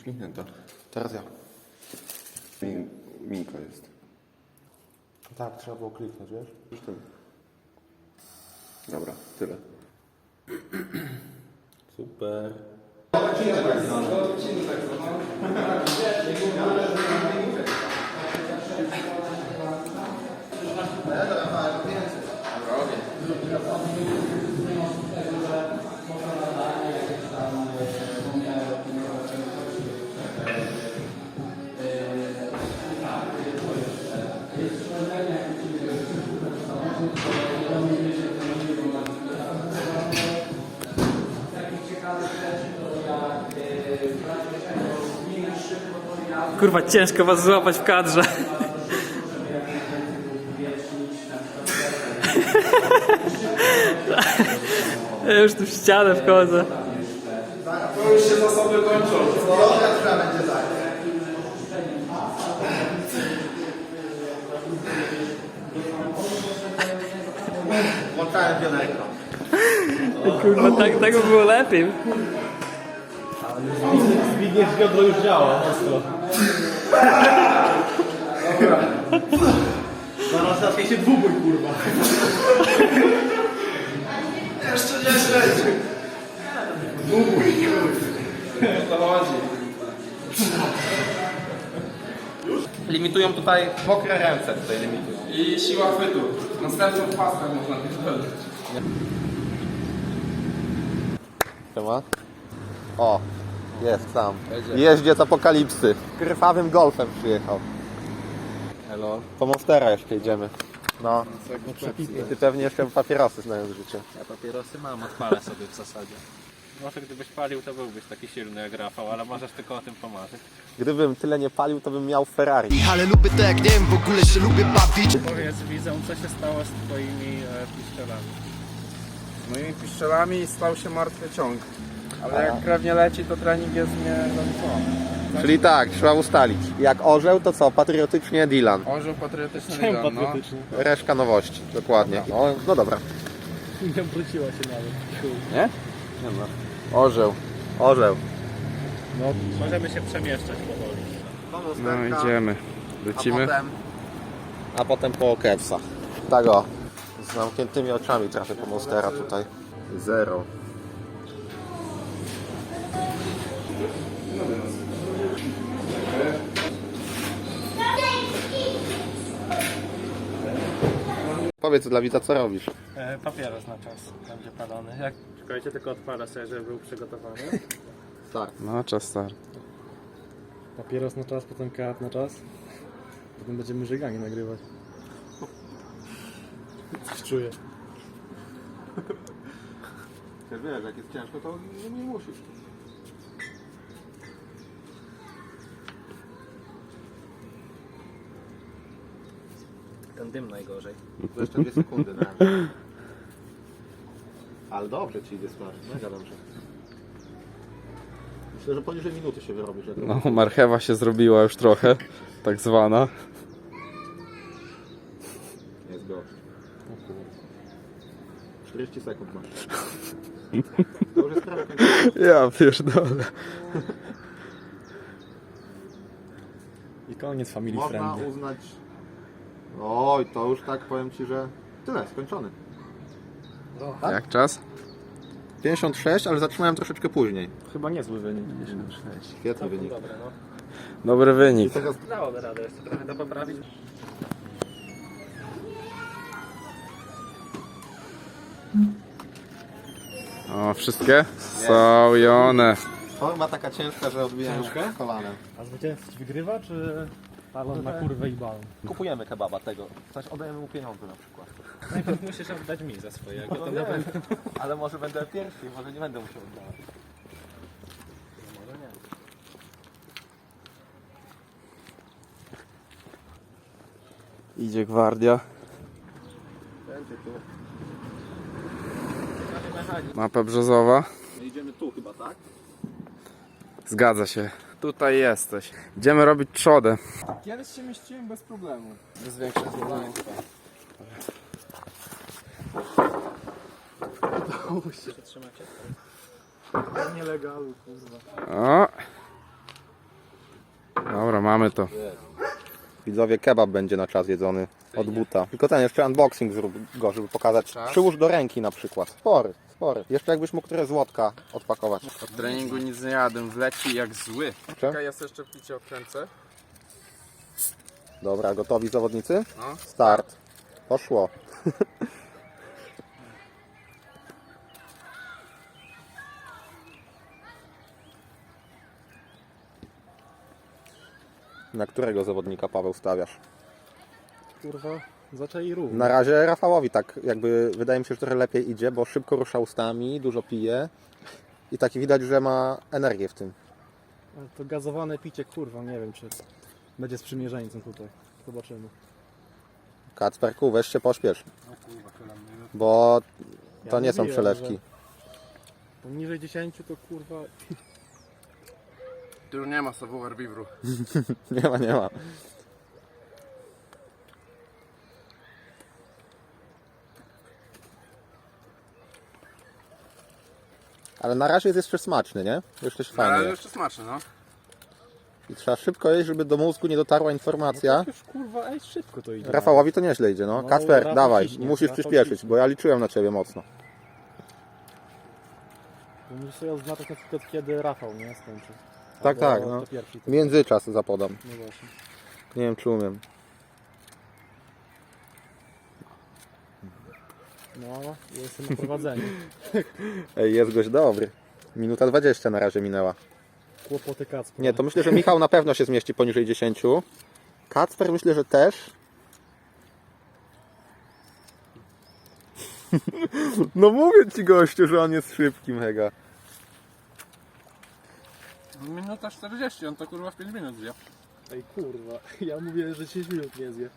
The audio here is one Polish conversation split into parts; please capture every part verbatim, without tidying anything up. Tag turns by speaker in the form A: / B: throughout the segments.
A: Kliknięta. Teraz ja. Mi, Minka jest.
B: Tak, trzeba było kliknąć, wiesz?
A: Już ten. Dobra, tyle.
B: Super.
C: Kurwa, ciężko was złapać w kadrze. Ja już tu w ścianę wchodzę.
D: To już się zasoby kończą.
E: Droga, która będzie tak. Włączałem pionerko.
C: Kurwa, tak, tak by było lepiej.
B: Zbigniew wiodro już działa, mocno.
E: Dobra. Zaraz zacznie się dwubój, kurwa.
D: Jeszcze nie śledzi. Dłubuj, kurwa. O to chodzi.
E: Limitują tutaj mokre ręce, tutaj limitują.
D: I siła chwytu. Następną paskę można pierdolić.
A: Siema. O, jest tam. Jeździec apokalipsy. Krwawym golfem przyjechał.
B: Hello.
A: Po Monstera jeszcze idziemy. No. I ty pewnie jeszcze papierosy znając życie.
B: Ja papierosy mam, odpalę sobie w zasadzie. Może gdybyś palił, to byłbyś taki silny jak Rafał, ale możesz tylko o tym pomarzyć.
A: Gdybym tyle nie palił, to bym miał Ferrari.
F: Ale lubię to jak nie wiem, w ogóle się lubię bawić.
B: Powiedz widzom, co się stało z twoimi e, piszczelami.
D: Z moimi piszczelami stał się martwy ciąg. Ale jak krew nie leci, to trening jest niezaliczony.
A: Czyli tak, trzeba ustalić. Jak orzeł, to co? Patriotycznie Dylan.
D: Orzeł patriotyczny Dylan, no.
A: Reszka nowości, dokładnie. No, no dobra.
B: Nie obróciła się nawet.
A: Nie? Nie ma. Orzeł. Orzeł.
B: No, możemy się przemieszczać powoli.
D: No idziemy. Lecimy.
A: A potem, a potem po Kepsa. Tak o. Z zamkniętymi oczami trafię po Monstera tutaj. Zero. Powiedz dla widza, co robisz.
B: E, papieros na czas będzie palony. Jak... Czekajcie, tylko odpalę sobie, żeby był przygotowany.
A: Tak.
D: No, czas start.
G: Papieros na czas, potem kart na czas. Potem będziemy żeganie nagrywać. Coś czuję.
A: Wiesz, wiesz, jak jest ciężko, to nie musisz.
B: Ten dym najgorzej.
A: To jeszcze dwie sekundy na razie. Ale dobrze ci idzie stary, mega dobrze. Myślę, że poniżej minuty się wyrobisz. Jak
D: No, marchewa się zrobiła już trochę, tak zwana.
A: Jest go. czterdzieści sekund masz. To już jest prawie końcowa.
D: Ja pierdolę.
G: I koniec family
A: Można
G: friendly.
A: uznać... Oj, to już tak powiem ci, że tyle, skończony. Tak?
D: Jak czas?
A: pięćdziesiąt sześć, ale zatrzymałem troszeczkę później.
G: Chyba niezły wynik. pięćdziesiąt sześć.
A: Świetny wynik.
B: Dobre, no.
D: Dobry wynik.
B: Dałoby radę jeszcze trochę to poprawić.
D: O, wszystkie? Są i one.
A: Forma taka ciężka, że odbijają kolanem.
G: A zwycięzca ci wygrywa, czy talon na kurwę i balon?
A: Kupujemy kebaba tego. Coś oddajemy mu pieniądze na przykład.
B: Najpierw musisz oddać mi za swojego. To
A: No
B: nawet...
A: wiem, ale może będę pierwszy, może nie będę musiał oddawać.
B: Może nie.
D: Idzie gwardia.
A: Będzie tu.
D: Mapa brzozowa.
A: Idziemy tu chyba, tak?
D: Zgadza się. Tutaj jesteś. Idziemy robić trzodę.
G: Kiedyś się mieściłem bez problemu.
D: Bez większych problemów.
B: Przytrzymacie?
G: Nielegalu, kurwa.
D: O! mamy to.
A: Widzowie, kebab będzie na czas jedzony od buta. Tylko ten jeszcze unboxing zrób go, żeby pokazać.
D: Czas?
A: Przyłóż do ręki na przykład. Spory, spory. Jeszcze jakbyś mógł które złotka odpakować.
D: Od treningu nic nie jadłem, wleci jak zły.
A: Czekaj.
D: Czekaj, ja sobie jeszcze picie odkręcę.
A: Dobra, gotowi zawodnicy?
D: No.
A: Start. Poszło. Na którego zawodnika, Paweł, stawiasz?
G: Kurwa, zaczęli równo.
A: Na razie Rafałowi tak jakby wydaje mi się, że trochę lepiej idzie, bo szybko rusza ustami, dużo pije i taki widać, że ma energię w tym.
G: Ale to gazowane picie, kurwa, nie wiem czy będzie sprzymierzeńcem tutaj. Zobaczymy.
A: Kacperku, weź się pośpiesz, bo to
G: Ja
A: nie są
G: mówiłem,
A: przelewki.
G: że Poniżej dziesięciu to kurwa...
D: Tu już nie ma savoir vivre.
A: Nie ma, nie ma. Ale na razie jest jeszcze smaczny, nie? Jeszcze się
D: Ale
A: fajnie.
D: jeszcze smaczne, no.
A: I trzeba szybko jeść, żeby do mózgu nie dotarła informacja.
G: Już kurwa, ej, szybko to idzie.
A: Rafałowi to nieźle idzie, no.
G: No,
A: Kacper,
G: Rafał
A: dawaj,
G: ciśnie,
A: musisz
G: Rafał
A: przyspieszyć,
G: ciśnie.
A: bo ja liczyłem na ciebie mocno.
G: Bo musisz sobie oznaczać na przykład kiedy Rafał, nie? Skończy.
A: Tak,
G: Albo
A: tak, no.
G: to pierwszy. To...
A: Międzyczas zapodam.
G: No właśnie.
A: Nie wiem, czy umiem.
G: No, jestem na prowadzeniu.
A: Ej, jest gość dobry. Minuta dwadzieścia na razie minęła.
G: Kłopoty Kacpra.
A: Nie, to myślę, że Michał na pewno się zmieści poniżej dziesięciu. Kacper myślę, że też. No mówię ci, gościu, że on jest szybki mega.
D: Minuta czterdzieści, on to kurwa w pięć minut zje.
G: Ej kurwa, ja mówię, że dziesięć minut nie zje.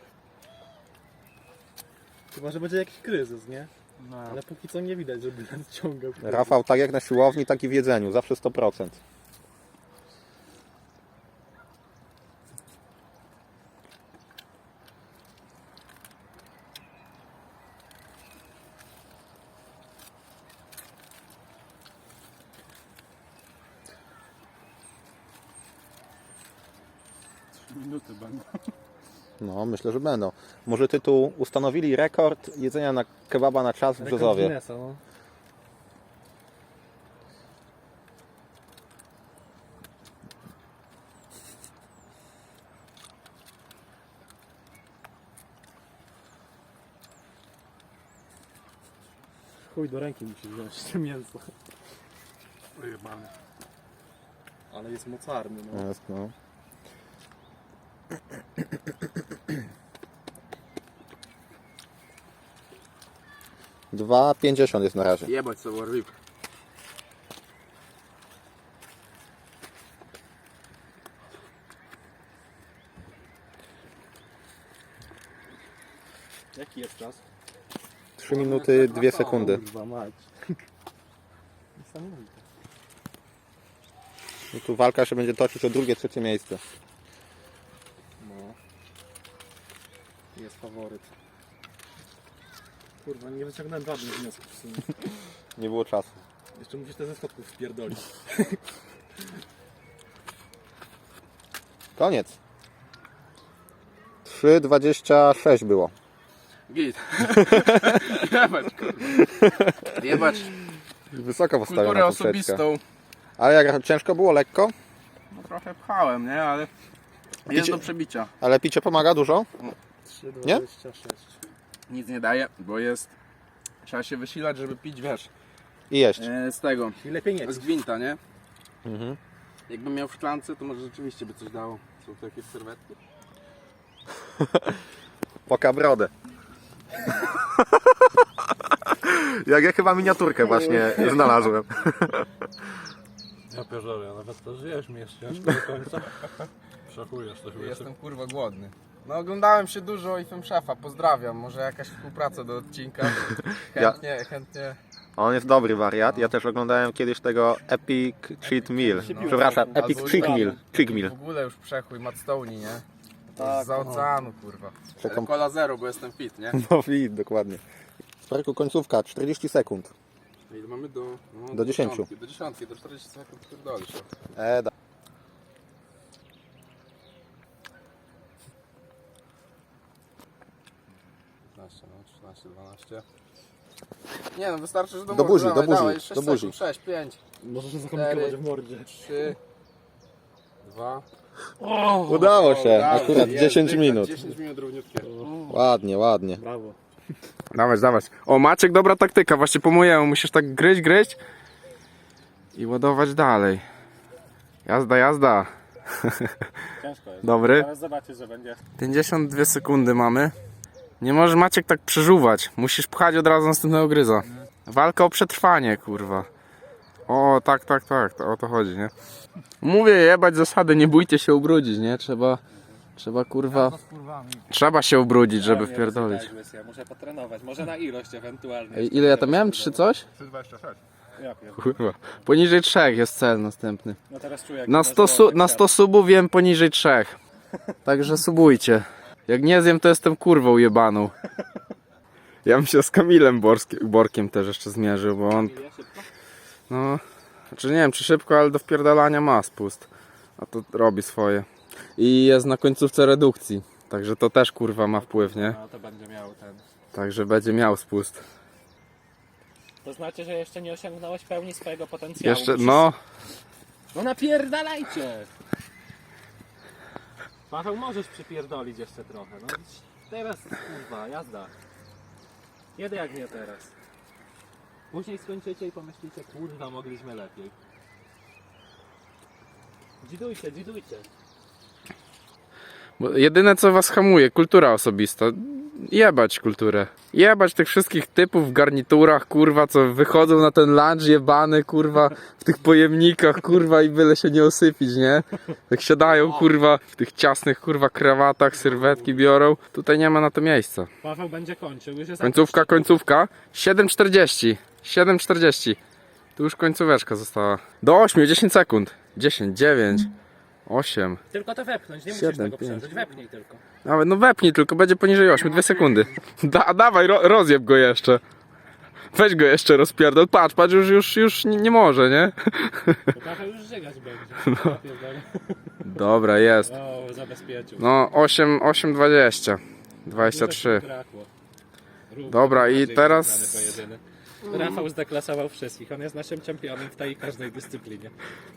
G: Chyba, że będzie jakiś kryzys, nie?
D: No.
G: Ale póki co nie widać, żeby nadciągał.
A: Rafał tak jak na siłowni, tak i w jedzeniu. Zawsze sto procent.
D: Minuty będą.
A: No, myślę, że będą. Może tytuł ustanowili rekord jedzenia na kebaba na czas w
G: Rekord
A: Brzozowie.
G: Guinnessa, no. Chuj, do ręki musi wziąć to mięso.
D: Wyjebany.
G: Ale jest mocarny, no.
A: Jest, no. dwa pięćdziesiąt jest na razie.
D: Jebać savoir vivre.
G: Jaki jest czas?
A: trzy minuty, dwie sekundy.
G: Kurwa mać. Niesamowite.
A: I tu walka się będzie toczyć o drugie, trzecie miejsce.
G: No. Jest faworyt. Kurwa, nie wyciągnąłem żadnych wniosków w sumie.
A: Nie było czasu.
G: Jeszcze musisz te ze schodków wpierdolić.
A: Koniec. trzy dwadzieścia sześć było.
D: Git. Jebać kurwa. Jebać
A: Wysoko
D: kulturę
A: postawiona poprzeczka.
D: osobistą.
A: Ale jak ciężko było, lekko?
D: No trochę pchałem, nie? Ale jest
A: Picie-
D: do przebicia.
A: Ale picie pomaga dużo?
G: trzy
A: Nie?
G: dwadzieścia sześć.
D: Nic nie daje, bo jest... Trzeba się wysilać, żeby pić, wiesz,
A: I jeść.
D: e, z tego,
G: I lepiej nie
D: z gwinta, nie?
A: Mhm.
D: Jakbym miał w szklance, to może rzeczywiście by coś dało. Są to jakieś serwetki?
A: Poka brodę. Jak ja chyba miniaturkę właśnie znalazłem.
B: Ja pierdolę, nawet to zjeść mi jest ciężko do końca. Szachujesz coś
D: Jestem kurwa głodny. No oglądałem się dużo i film szefa, pozdrawiam. Może jakaś współpraca do odcinka. Chętnie, chętnie.
A: On jest dobry wariat. Ja też oglądałem kiedyś tego Epic Cheat Meal. Przepraszam, Epic
D: Albo
A: Chick
D: i-
A: Meal. Chick Meal.
D: W ogóle już przechój Matt Stoney, nie? Tak, za oceanu kurwa.
A: Przekom-
D: Ale Cola zero, bo jestem fit, nie?
A: No wid, dokładnie. Sparku końcówka, czterdzieści sekund.
D: Ile mamy do... No,
A: Do dziesięciu.
D: dziesiątki, Do dziesiątki, do czterdziestu sekund pierdolisz.
A: E, da.
D: piętnaście, no, trzynaście, dwanaście. Nie no, wystarczy, że do,
A: Do
D: mordy,
A: buzi,
D: dawaj,
A: do buzi,
D: dawaj,
A: do
D: sześć
A: buzi.
D: sekund, sześć, pięć,
G: Możesz się zakomplikować w mordzie.
D: trzy, dwa.
A: Udało się,
D: Dawaj,
A: akurat
D: jest,
A: dziesięć
D: dycha,
A: minut.
D: dziesięć minut równiutkie.
A: Ładnie, ładnie.
G: Brawo.
D: Dawać, dawać. O, Maciek, dobra taktyka, właśnie po mojemu. Musisz tak gryźć, gryźć i ładować dalej. Jazda, jazda.
B: Ciężko jest.
D: Dobry.
B: Teraz zobaczysz, że będzie.
D: pięćdziesiąt dwie sekundy mamy. Nie możesz, Maciek, tak przeżuwać. Musisz pchać od razu następnego gryza. Walka o przetrwanie, kurwa. O, tak, tak, tak. To, o to chodzi, nie? Mówię, jebać zasady, nie bójcie się ubrudzić, nie? Trzeba, trzeba, kurwa... Trzeba się ubrudzić, żeby wpierdolić.
B: Ja muszę potrenować, może na ilość ewentualnie.
D: Ej, ile ja tam miałem? Trzy coś?
B: Ja pierdolę.
D: Kurwa. Poniżej trzech jest cel następny.
B: No teraz czuję jak
D: Na
B: to
D: sto,
B: zło-
D: su- na sto subów wiem poniżej trzech. Także subujcie. Jak nie zjem, to jestem kurwą jebaną. Ja bym się z Kamilem Borskie- Borkiem też jeszcze zmierzył, bo on... No... Znaczy nie wiem czy szybko, ale do wpierdalania ma spust. A to robi swoje. I jest na końcówce redukcji. Także to też kurwa ma wpływ, nie?
B: No to będzie miał ten.
D: Także będzie miał spust.
B: To znaczy, że jeszcze nie osiągnąłeś pełni swojego potencjału.
D: Jeszcze,
B: Musisz-
D: no...
B: No napierdalajcie! Paweł, możesz przypierdolić jeszcze trochę. No teraz, kurwa, jazda. Jedę jak nie teraz. Później skończycie i pomyślicie, kurwa, mogliśmy lepiej. Dzidujcie, dzidujcie.
D: Bo jedyne co was hamuje, kultura osobista. Jebać kulturę. Jebać tych wszystkich typów w garniturach, kurwa, co wychodzą na ten lunch jebany, kurwa, w tych pojemnikach, kurwa, i byle się nie osypić, nie? Tak siadają, kurwa, w tych ciasnych, kurwa, krawatach, sylwetki biorą. Tutaj nie ma na to miejsca.
B: Paweł będzie kończył, już jest
D: Końcówka, końcówka. siedem czterdzieści. siedem czterdzieści. Tu już końcóweczka została. Do ośmiu, dziesięć sekund. dziesięć, dziewięć, osiem.
B: Tylko to wepchnąć, nie musisz
D: Siedem,
B: tego
D: pięć.
B: przeżyć, wepnij tylko.
D: Nawet no wepnij, tylko będzie poniżej ośmiu, dwie sekundy. Da, dawaj, ro, rozjeb go jeszcze. Weź go jeszcze rozpierdol. Patrz, patrz, już, już, już nie, nie może, nie?
B: To Paweł już żygać będzie. No.
D: Dobra, jest.
B: O, zabezpieczył.
D: No, osiem, osiem, dwadzieścia. dwadzieścia trzy.
B: Brakło. Równy,
D: Dobra, i
B: bardziej
D: teraz-
B: wyrównany pojedynek. Rafał zdeklasował wszystkich. On jest naszym czempionem w tej każdej dyscyplinie.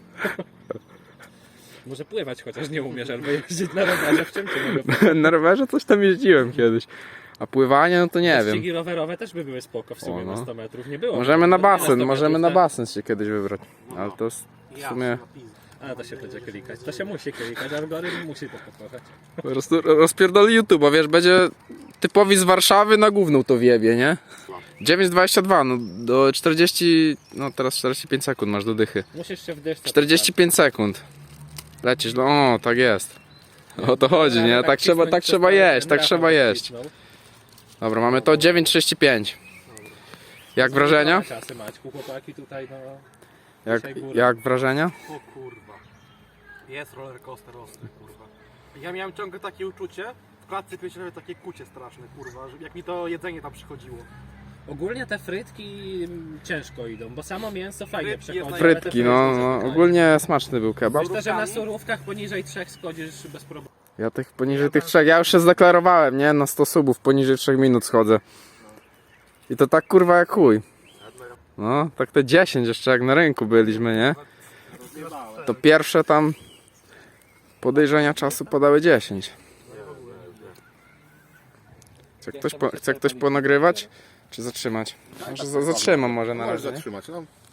B: Może pływać chociaż nie umiesz, albo jeździć na rowerze, w czym ty mogę
D: Na rowerze coś tam jeździłem kiedyś. A pływanie, no to nie wiem.
B: Ścigi rowerowe też by były spoko w sumie
D: O, no.
B: na sto metrów. Nie było.
D: Możemy na
B: Nie
D: basen,
B: sto
D: możemy na
B: metrów,
D: basen się kiedyś wybrać. Ale to s- w sumie...
B: tak. A to się będzie klikać. To się musi klikać, algorytm musi to pokochać.
D: Po prostu rozpierdoli YouTube'a, wiesz, będzie typowi z Warszawy na główną to wiebie, nie? dziewięć dwadzieścia dwa, no do czterdziestu, no teraz czterdzieści pięć sekund masz do dychy.
B: Musisz się w deszczu.
D: czterdzieści pięć sekund. Lecisz, no o, tak jest. O to chodzi, nie? Tak trzeba, tak trzeba jeść, tak trzeba jeść. Dobra, mamy to dziewięć trzydzieści pięć. Jak wrażenia?
B: Czasy Maćku, chłopaki tutaj, no...
D: Jak, jak wrażenia?
E: O kurwa. Jest roller coaster ostry, kurwa. Ja miałem ciągle takie uczucie, w klatce piersiowej takie kucie straszne, kurwa, że jak mi to jedzenie tam przychodziło.
B: Ogólnie te frytki mm, ciężko idą, bo samo mięso fajnie
E: Frytki
B: przechodzi.
E: jest
B: ale te
D: Frytki, no, no
B: zaczynają.
D: ogólnie smaczny był kebab.
B: Myślę, że na surówkach poniżej trzech schodzisz bez problemu.
D: Ja tych poniżej tych trzech, ja już się zdeklarowałem, nie? Na sto subów poniżej trzech minut schodzę. I to tak kurwa jak chuj. No, tak te dziesięć jeszcze jak na rynku byliśmy, nie? To pierwsze tam podejrzenia czasu podały dziesięć. Chce ktoś, po, chce ktoś ponagrywać? Czy zatrzymać? Może za- zatrzymam może na
A: Możesz
D: razie, nie?
A: zatrzymać, no.